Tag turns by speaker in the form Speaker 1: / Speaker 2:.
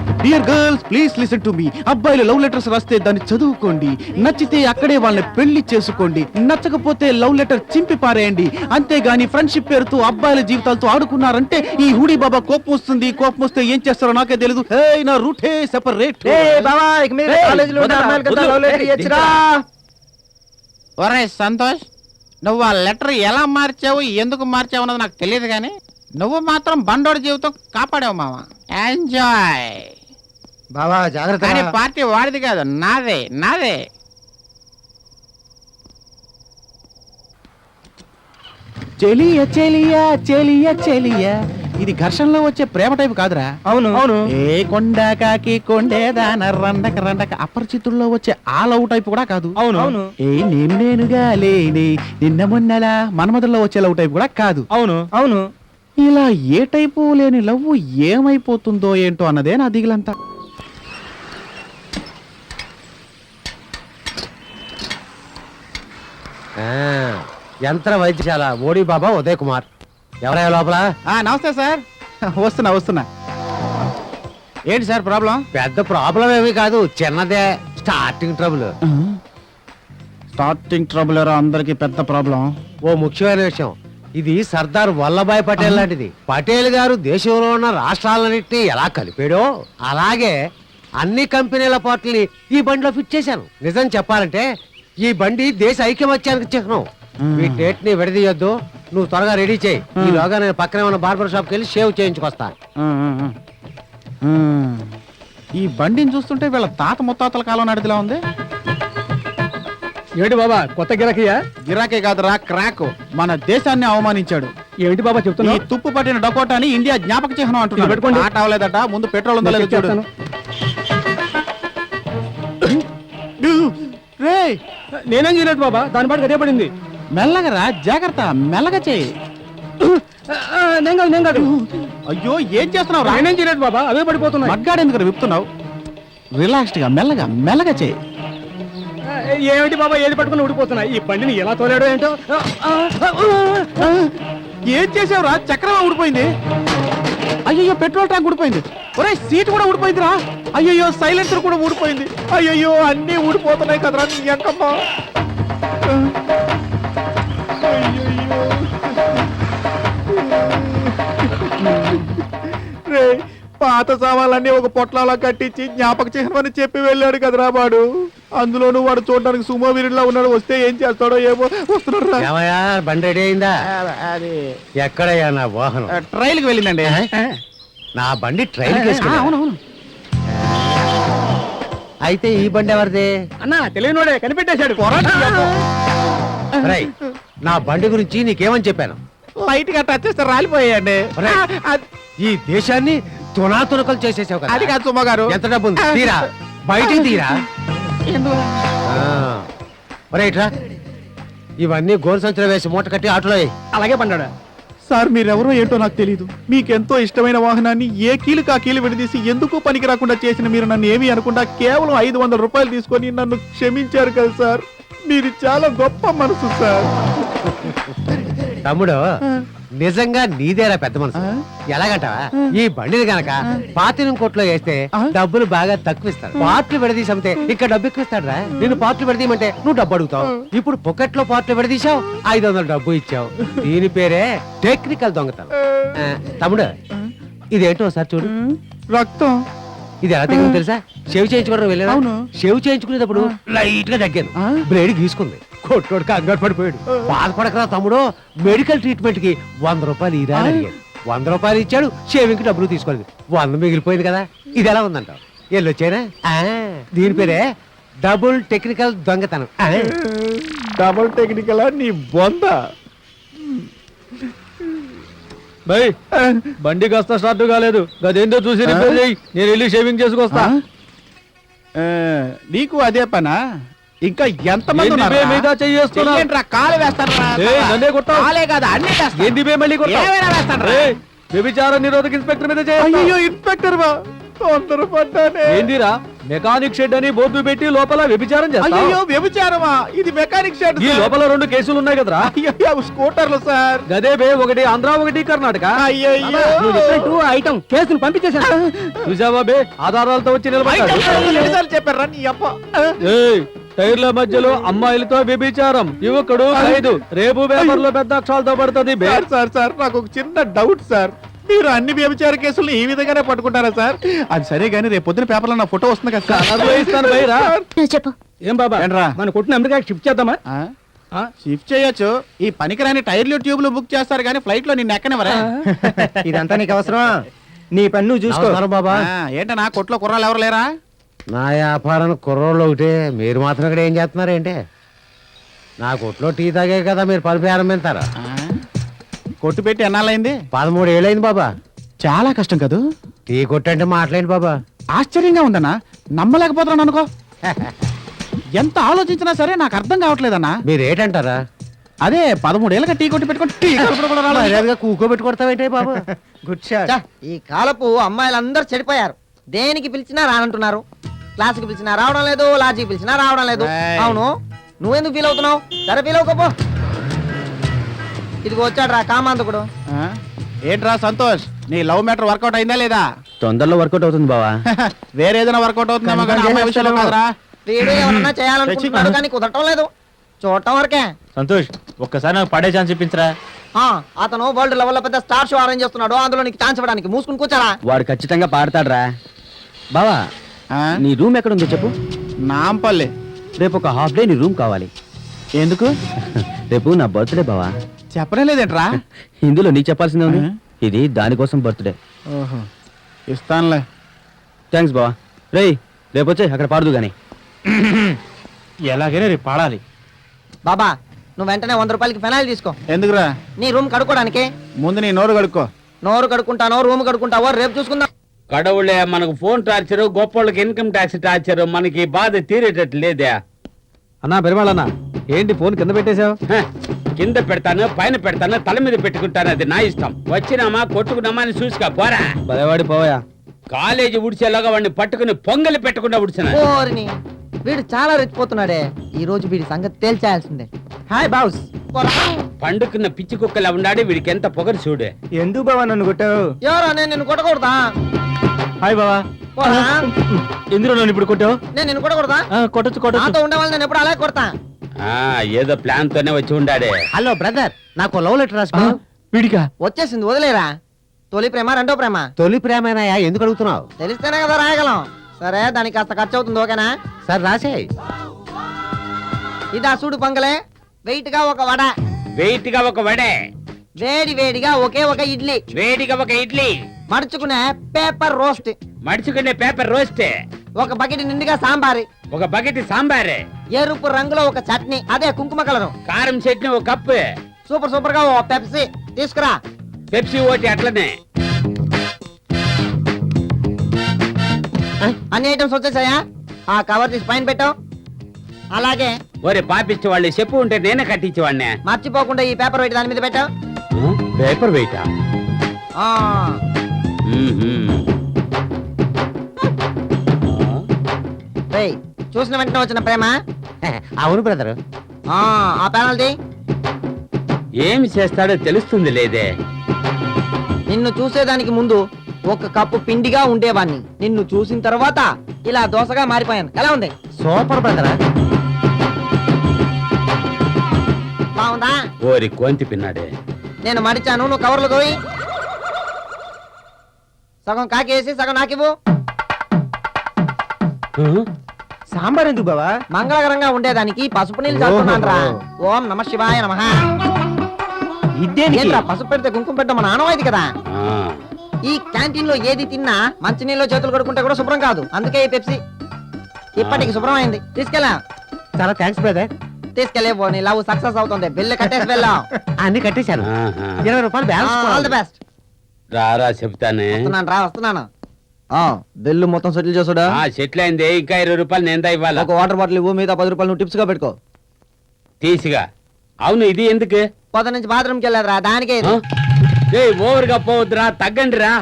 Speaker 1: Dear girls please listen to me. అబ్బాయిలు love letters రాస్తే దాన్ని చదువుకోండి, నచ్చితే అక్కడే వాళ్ళని పెళ్లి చేసుకోండి, నచ్చకపోతే లవ్ లెటర్ చింపి పారేయండి. అంతేగాని ఫ్రెండ్షిప్ పేరుతో అబ్బాయిల జీవితాలతో ఆడుకున్నారంటే ఈ హుడీ బాబా కోపం వస్తుంది. కోపం వస్తే ఏం చేస్తారో నాకే తెలియదు. నా రూటే సెపరేట్.
Speaker 2: ఒరే సంతోష్, నువ్వు ఆ లెటర్ ఎలా మార్చావు, ఎందుకు మార్చావు అన్నది నాకు తెలియదు, కానీ నువ్వు మాత్రం బండోడి జీవితం కాపాడావు మామ. ఎంజాయ్
Speaker 3: బావా, జాగ్రత్త.
Speaker 2: కానీ పార్టీ వాడిది కాదు, నాదే నాదే.
Speaker 1: చెలియ చెలియ చెలియ చెలియ, ఇది ఘర్షణలో వచ్చే ప్రేమ టైప్ కాదురా.
Speaker 3: అవును అవును.
Speaker 1: ఏ కొండ కాకి కొండేదాన రండక రండక అపరిచితుల్లో వచ్చే ఆ లవ్ టైప్ కూడా కాదు.
Speaker 3: అవును అవును.
Speaker 1: ఏ నేనుగా లేని నిన్న మొన్నలా మన్మధుల్లో వచ్చే లవ్ టైప్ కూడా కాదు.
Speaker 3: అవును అవును.
Speaker 1: ఇలా ఏ టైపు లేని లవ్ ఏమైపోతుందో ఏంటో అన్నదే నా దిగులంతా.
Speaker 3: యంత్ర వైద్యశాల మోడీ బాబా ఉదయ్ కుమార్. ఎవరయ్యా లోపల?
Speaker 1: నమస్తే సార్. వస్తున్నా. ఏంటి సార్ ప్రాబ్లం?
Speaker 3: పెద్ద ప్రాబ్లం ఏమీ కాదు, చిన్నదే స్టార్టింగ్ ట్రబుల్.
Speaker 1: స్టార్టింగ్ ట్రబుల్ అందరికి పెద్ద ప్రాబ్లం.
Speaker 3: ఓ ముఖ్యమైన విషయం, ఇది సర్దార్ వల్లభాయ్ పటేల్ లాంటిది. పటేల్ గారు దేశంలో ఉన్న రాష్ట్రాలన్నింటినీ ఎలా కలిపాడో అలాగే అన్ని కంపెనీల పార్టీని ఈ బండిలో ఫిట్ చేశాను. నిజం చెప్పాలంటే ఈ బండి దేశ ఐక్యమత్యానికి చిహ్నం. ఈ డేట్ ని విడదీయొద్దు, నువ్వు త్వరగా రెడీ చేయి. ఈలోగా నేను పక్కనే ఉన్న బార్బర్ షాప్కి వెళ్ళి షేవ్ చేయించుకొస్తా.
Speaker 1: ఈ బండిని చూస్తుంటే వీళ్ళ తాత ముత్తాతల కాలం నడిదిలా ఉంది.
Speaker 3: ఏంటి బాబా, కొత్త గిరాకీయా?
Speaker 1: గిరాకే కాదురా, క్రాక్. మన దేశాన్ని అవమానించాడు.
Speaker 3: ఏంటి బాబా చెప్తున్నా?
Speaker 1: ఈ తుప్పు పట్టిన డకోటాని ఇండియా జ్ఞాపక చిహ్నం అంటున్నాడు.
Speaker 3: పెట్టుకోండి.
Speaker 1: ఆట అవ్వలేదట, ముందు పెట్రోల్ ఉందో లేదో చూడు. రే,
Speaker 3: నేనేం చేయలేదు బాబా, దాని పాటు గదే పడింది.
Speaker 1: మెల్లగా రా, జాగ్రత్త, మెల్లగా చేయి.
Speaker 3: నేను కాదు.
Speaker 1: అయ్యో, ఏం చేస్తున్నావు?
Speaker 3: నేనేం చేయలేదు బాబా, అవే పడిపోతున్నాయి.
Speaker 1: మగ్గాడు ఎందుకు విప్పుతున్నావు? రిలాక్స్డ్ గా మెల్లగా మెల్లగా చేయి.
Speaker 3: ఏమిటి బాబా, ఏది పట్టుకుని ఊడిపోతున్నాయి? ఈ బండిని ఎలా తోలాడో ఏంటో.
Speaker 1: ఏం చేసావురా? చక్రం ఊడిపోయింది. అయ్యో, పెట్రోల్ ట్యాంక్ ఊడిపోయింది. ఒరే, సీట్ కూడా ఊడిపోయిందిరా. అయ్యో, సైలెన్సర్ కూడా ఊడిపోయింది. అయ్యో, అన్నీ ఊడిపోతున్నాయి కదరా నీ అంకమ్మ. రే, పాత సామాన్లన్నీ ఒక పొట్లాలా కట్టించి జ్ఞాపక చిహ్నం అని చెప్పి వెళ్ళాడు కదరా వాడు. అందులోనూ వాడు చూడడానికి సుమో వీరుడిలా ఉన్నాడు. వస్తే ఏం చేస్తాడో ఏమో. వస్తున్నాడు.
Speaker 3: బండి రెడీ అయిందా? ఎక్కడయ్యా నా వాహనం?
Speaker 1: ట్రైల్ కి వెళ్ళిందండి.
Speaker 3: నా బండి ట్రైల్
Speaker 1: అవునవును.
Speaker 3: అయితే ఈ బండి ఎవరిది?
Speaker 1: అన్నా, తెలియనోడే కనిపెట్టేశాడు.
Speaker 3: నా బండి గురించి నీకేమని చెప్పాను?
Speaker 1: లైట్ గా టచ్ చేస్తే రాలిపోయాయండి.
Speaker 3: ఈ దేశాన్ని తునాతునకలు చేసేసావు కదా.
Speaker 1: అది కాదు సుమ గారు.
Speaker 3: ఎంత డబ్బు ఉంది? తీరా, బయటికి తీరా. రైట్రా, ఇవన్నీ గోరు సంచులు వేసి మూట కట్టి ఆటోలో.
Speaker 1: అలాగే పడ్డాడా సార్? మీరెవరో ఏంటో నాకు తెలీదు. మీకెంతో ఇష్టమైన వాహనాన్ని ఏ కీలుకు ఆ కీలు విడదీసి ఎందుకు పనికి రాకుండా చేసిన మీరు నన్ను ఏమీ అనకుండా కేవలం 500 రూపాయలు తీసుకొని నన్ను క్షమించారు కదా సార్. మీరు చాలా గొప్ప మనసు సార్.
Speaker 3: తమ్ముడు, నిజంగా నీదేరా పెద్ద మనసు. ఎలాగంటావా? ఈ బండిని గనక పాతినం కోట్లో వేస్తే డబ్బులు బాగా తక్కువ ఇస్తాడు. పార్ట్లు విడదీసి అమ్మితే ఇక్కడ డబ్బు ఎక్కువ ఇస్తాడు రా. నేను పార్ట్లు విడదీయమంటే నువ్వు డబ్బు అడుగుతావు. ఇప్పుడు పొకెట్ లో పార్ట్లు విడదీశావు, 500 డబ్బు ఇచ్చావు. దీని పేరే టెక్నికల్ దొంగతనం. తమ్ముడు, ఇదేంటో ఒకసారి చూడు.
Speaker 1: రక్తం.
Speaker 3: ఇది ఎలా తగ్గింది తెలుసా? షేవ్ చేయించుకోవడం వెళ్ళాను. షేవ్ చేయించుకునేటప్పుడు లైట్ గా తగ్గాను. బ్లేడ్ గీసుకుంది. కొట్టోడు కంగారు పడిపోయాడు. బాధపడకరా తమ్ముడు, మెడికల్ ట్రీట్మెంట్ కి 100 రూపాయలు ఇరా అని అడిగాడు. 100 రూపాయలు ఇచ్చాడు. షేవింగ్ కి డబ్బులు తీసుకోలేదు. 100 మిగిలిపోయింది కదా. ఇది ఎలా ఉందంటావు? వెళ్ళొచ్చానా? దీని పేరే డబుల్ టెక్నికల్ దొంగతనం.
Speaker 1: డబుల్ టెక్నికల్ నీ బొంద.
Speaker 3: బండి కాస్త స్టార్ట్ కాలేదు. అదేందో చూసి రిపేర్ చేయి, నేను వెళ్ళి షేవింగ్ చేసుకొస్తా.
Speaker 1: నీకు అదే పనా? ఇంకా ఎంతమంది
Speaker 3: కాలు
Speaker 1: వ్యభిచార నిరోధక ఇన్స్పెక్టర్ మీద. ఇన్స్పెక్టర్ ఏందిరా?
Speaker 3: మెకానిక్ షెడ్ అని బోర్డు పెట్టి లోపల వ్యభిచారం చేస్తావు
Speaker 1: అయ్యో వ్యభిచారమా? ఇది మెకానిక్ షెడ్
Speaker 3: ఈ లోపల 2 కేసులు ఉన్నాయి కదరా
Speaker 1: అయ్యో స్కూటర్లు సార్.
Speaker 3: గదే బే, ఒకటి ఆంధ్ర ఒకటి కర్ణాటక.
Speaker 1: అయ్యో
Speaker 3: ఐటమ్ కేసులు పంపించేశాను. చూసావా బే, ఆధారాలతో వచ్చి నిలబడ్డాడు.
Speaker 1: ఎన్నిసార్లు చెప్పారా నీ అప్ప?
Speaker 3: ఏయ్, టైర్ల మధ్యలో అమ్మాయిలతో వ్యభిచారం, యువకుడు ఖైదు. రేపు పేపర్ లో పెద్ద అక్షరాలతో పడుతుంది బే.
Speaker 1: సార్ నాకు ఒక చిన్న డౌట్ సార్. మీరు అన్ని వ్యభిచార కేసులు ఈ విధంగానే పట్టుకుంటారా సార్? అది సరే గానీ రేపు పొద్దున పేపర్లో నా ఫోటో వస్తుంది కదా సార్.
Speaker 3: కలర్లో ఇస్తాను బైరా.
Speaker 4: నువ్వు చెప్పు.
Speaker 3: ఏం బాబా,
Speaker 1: ఏంట్రా?
Speaker 3: మన కొట్టిన అమెరికా షిఫ్ట్ చేద్దామా?
Speaker 1: షిఫ్ట్ చేయొచ్చు. ఈ పనికిరాని టైర్లు ట్యూబ్లు బుక్ చేస్తారు కానీ ఫ్లైట్ లో నిన్ను ఎక్కనివరా?
Speaker 5: ఇదంతా నీకు అవసరమా? నీ పని నువ్వు చూసుకో.
Speaker 3: నమస్కారం బాబా.
Speaker 1: ఏంటన్నా కొట్లో కుర్రాలు ఎవరు లేరా?
Speaker 3: నా వ్యాపారానికి కుర్రోళ్ళు ఒకటే, మీరు మాత్రం ఇక్కడ ఏం చేస్తున్నారేంటి? నా కొట్లో టీ తాగే కదా మీరు పని ప్రారంభిస్తారా?
Speaker 1: కొట్టు పెట్టి ఎన్నాళ్ళైంది?
Speaker 3: 13 ఏళ్ళైంది బాబా.
Speaker 1: చాలా కష్టం కదూ.
Speaker 3: టీ కొట్టంటే మాట్లాడండి బాబా.
Speaker 1: ఆశ్చర్యంగా ఉందన్నా, నమ్మలేకపోతున్నాను అనుకో. ఎంత ఆలోచించినా సరే నాకు అర్థం కావట్లేదన్నా.
Speaker 3: మీరు ఏంటంటారా?
Speaker 1: అదే 13 ఏళ్ళగా టీ కొట్టి పెట్టుకొని టీ కడుపులో కూడా రాలేదు.
Speaker 3: మర్యాదగా కూకోబెట్టి కొడతావేంటి బాబా?
Speaker 5: Good shot. ఈ కాలపు అమ్మాయిలందరూ చెడిపోయారు. దేనికి పిలిచినా రానంటున్నారు. క్లాస్కి పిలిచినా రావడం లేదు, లాడ్జికి పిలిచినా రావడం లేదు.
Speaker 1: ఏయ్.
Speaker 5: అవును, నువ్వెందుకు ఫీల్ అవుతున్నావు? సరే ఫీల్ అవ్వకపో. ఇదిగో వచ్చాడు రా కామాంతకుడు.
Speaker 1: ఆ? ఏంట్రా సంతోష్, నీ లవ్ మ్యాటర్ వర్కౌట్ అయిందా లేదా?
Speaker 3: తొందరలో వర్కౌట్ అవుతుంది బావా.
Speaker 1: వేరే ఏదైనా వర్కౌట్ అవుతుందేమో కానీ అమ్మాయి విషయంలో కాదురా.
Speaker 5: వీడు ఏమన్నా చేయాలనుకుంటున్నాడు కానీ కుదరటం లేదు. చూడటం వరకే.
Speaker 6: సంతోష్, ఒక్కసారి నాకు పడే ఛాన్స్ ఇప్పించరా.
Speaker 5: ఆ, అతను వరల్డ్ లెవెల్ లో పెద్ద స్టార్ షో అరేంజ్ చేస్తున్నాడు. అందులో నీకు ఛాన్స్ ఇవ్వడానికి మూసుకుని కూర్చారా.
Speaker 6: వాడు ఖచ్చితంగా పాడతాడ్రా. బావా,
Speaker 1: ఆ?
Speaker 6: నీ రూమ్ ఎక్కడ ఉందో చెప్పు.
Speaker 1: నాంపల్లి.
Speaker 6: రేపు ఒక హాఫ్ డే నీ రూమ్ కావాలి.
Speaker 1: ఎందుకు
Speaker 6: రేపు నా బర్త్డే బావా.
Speaker 1: చెప్పనే లేదేంట్రా?
Speaker 6: ఇందులో నీ చెప్పాల్సిందే ఉంది.
Speaker 1: ఆ?
Speaker 6: ఇది దానికోసం బర్త్డే.
Speaker 1: ఓహో, ఇస్తానులే.
Speaker 6: థ్యాంక్స్ బావా. రేయ్, రేపు వచ్చే అక్కడ పాడదు గాని.
Speaker 1: ఎలాగైనా రేపు పాడాలి.
Speaker 5: బాబా, నువ్వు వెంటనే 100 రూపాయలకి ఫెనాయిల్ తీసుకో.
Speaker 1: ఎందుకురా?
Speaker 5: నీ రూమ్ కడుక్కోడానికి.
Speaker 1: ముందు నీ నోరు కడుక్కో.
Speaker 5: నోరు కడుక్కుంటానో రూమ్ కడుక్కుంటావో రేపు చూసుకుందాం.
Speaker 7: కడవులే మనకు ఫోన్ టార్చర్, గొప్పోళ్ళకి ఇన్కమ్ ట్యాక్స్ టార్చర్, మనకి బాధ తీరేటట్టు లేదే.
Speaker 3: అన్నా పెరుమాళన్నా, ఏంటి ఫోన్ కింద పెట్టేశావు?
Speaker 7: హ, కింద పెడతాను, పైన పెడతాను, తల మీద పెట్టుకుంటాను, అది నా ఇష్టం. వచ్చినామా కొట్టుకున్నామా అని చూసుకో పోరా.
Speaker 3: భయవాడి పోయా.
Speaker 7: కాలేజీ ఉడిచేలాగా వాడిని పట్టుకుని పొంగలి పెట్టకుండా ఉడిచిన.
Speaker 5: ఓరిని, వీడు చాలా రెచ్చిపోతున్నాడే. ఈ రోజు వీడి సంగతి తేల్చేయాల్సిందే. Hi boss.
Speaker 7: పండుకున్న పిచ్చి కుక్కలా ఉన్నాడు, వీడికి ఎంత పొగరు చూడే.
Speaker 5: ఎందుకు బావా నన్ను కొట్టావు? ఎవరో నేను నిన్ను కొట్టకూడదా?
Speaker 6: హాయ్ బావా.
Speaker 5: పోరా.
Speaker 6: ఎందులో నన్ను ఇప్పుడు కొట్టావు?
Speaker 5: నేను నిన్ను కొట్టకూడదా?
Speaker 6: కొట్టచ్చు
Speaker 5: నాతో ఉండే వాళ్ళు నేను ఎప్పుడు అలాగే కొడతా.
Speaker 7: ఆ ఏదో ప్లాన్ తోనే వచ్చి ఉండాడే.
Speaker 3: హలో బ్రదర్, నాకు లవ్ లెటర్ రాసుకో.
Speaker 6: వీడికా?
Speaker 5: వచ్చేసింది, వదిలేరా. తొలి ప్రేమ రెండో ప్రేమ
Speaker 3: తొలి ప్రేమేనాయా, ఎందుకు అడుగుతున్నావు?
Speaker 5: తెలిస్తేనే కదా రాయగలం. సరే, దానికి కాస్త ఖర్చు అవుతుంది, ఓకేనా?
Speaker 3: సరే రాసేయ్.
Speaker 5: ఇదా చూడు పొంగలే. వెయిట్ గా ఒక వడ,
Speaker 7: వెయిట్ గా ఒక వడే,
Speaker 5: వేడి వేడిగా ఒకే ఒక ఇడ్లీ,
Speaker 7: వేడిగా ఒక ఇడ్లీ,
Speaker 5: మడుచుకునే పేపర్ రోస్ట్,
Speaker 7: మడుచుకునే పేపర్ రోస్టే,
Speaker 5: ఒక బకెట్ నిండుగా సాంబారి,
Speaker 7: ఒక బకెట్ సాంబారే,
Speaker 5: ఎరుపు రంగులో ఒక చట్నీ, అదే కుంకుమ కలరు,
Speaker 7: కారం చట్నీ ఒక కప్పు,
Speaker 5: సూపర్ సూపర్ గా ఓ పెప్సీ తీసుకురా.
Speaker 7: పెప్సీ ఓటి అట్లనే.
Speaker 5: అన్ని ఐటమ్స్ వచ్చేసాయా? ఆ కవర్ తీసి పైన పెట్టావు. అలాగే
Speaker 7: ఒరే పాపిచ్చి వాళ్ళు చెప్పు ఉంటే నేనే కట్టించేవాడినే.
Speaker 5: మర్చిపోకుండా ఈ పేపర్ వెయిట్ దాని మీద పెట్టావు.
Speaker 7: పేపర్ వెయిటా?
Speaker 5: ఆ, రేయ్, చూసిన వెంటనే వచ్చిన ప్రేమ.
Speaker 3: అవును బ్రదర్.
Speaker 5: ఆ పెనాల్టీ.
Speaker 7: ఏమి చేస్తాడో తెలుస్తుంది లేదే.
Speaker 5: నిన్ను చూసేదానికి ముందు ఒక కప్పు పిండిగా ఉండేవాణ్ణి. నిన్ను చూసిన తర్వాత ఇలా దోసగా మారిపోయాను. ఎలా ఉంది?
Speaker 3: Super brother.
Speaker 5: బాగుందా?
Speaker 7: ఓరి కోంతి పిన్నాడే.
Speaker 5: నేను మడిచాను, నువ్వు కవర్లు దోయి. సగం కాకేసి సగం నాకివ్వు.
Speaker 6: సాంబార్ ఎందుకు బావా?
Speaker 5: మంగళకరంగా ఉండేదానికి పసుపు నీళ్ళు చల్లుతున్నాను రా. ఓం నమ శివాయ నమః. ఏంట్రా పసుపు పెడితే కుంకుమ పెట్టడం మన ఆనవాయితీ కదా.
Speaker 7: ఆ,
Speaker 5: ఈ క్యాంటీన్ లో ఏది తిన్నా మంచినీళ్ళు చేతులు కడుక్కుంటే కూడా శుభ్రం కాదు. అందుకే ఈ పెప్సీ ఇప్పటికి శుభ్రం అయింది. తీసుకెళ్ళా.
Speaker 3: చాలా థ్యాంక్స్ బ్రదర్.
Speaker 5: తీసుకెళ్ళేవో, నీ లవ్ సక్సెస్ అవుతుంది. బిల్లు కట్టేసి వెళ్ళాం.
Speaker 3: అన్ని కట్టేశాను.
Speaker 7: ఆహా.
Speaker 3: 20 రూపాయలు
Speaker 5: ఆల్ ది
Speaker 3: బ్యాలెన్స్.
Speaker 5: బెస్ట్.
Speaker 7: రారా చెప్తానే.
Speaker 5: వస్తున్నాను రా, వస్తున్నాను. బిల్లు మొత్తం సెటిల్ చేసుడా.
Speaker 7: ఆ సెటిల్ అయింది. ఇంకా 20 రూపాయలు నేందా ఇవ్వాలా?
Speaker 5: ఒక వాటర్ బాటిల్ ఇవ్వు, మిగతా 10 రూపాయలు నువ్వు టిప్స్ గా పెట్టుకో.
Speaker 7: తీసిగా. అవును, ఇది ఎందుకు?
Speaker 5: పొద్దు నుంచి బాత్రూమ్కి వెళ్ళారు రా, దానికే ఇది.
Speaker 7: ఓవర్ గా పోవద్దురా, తగ్గండి రా.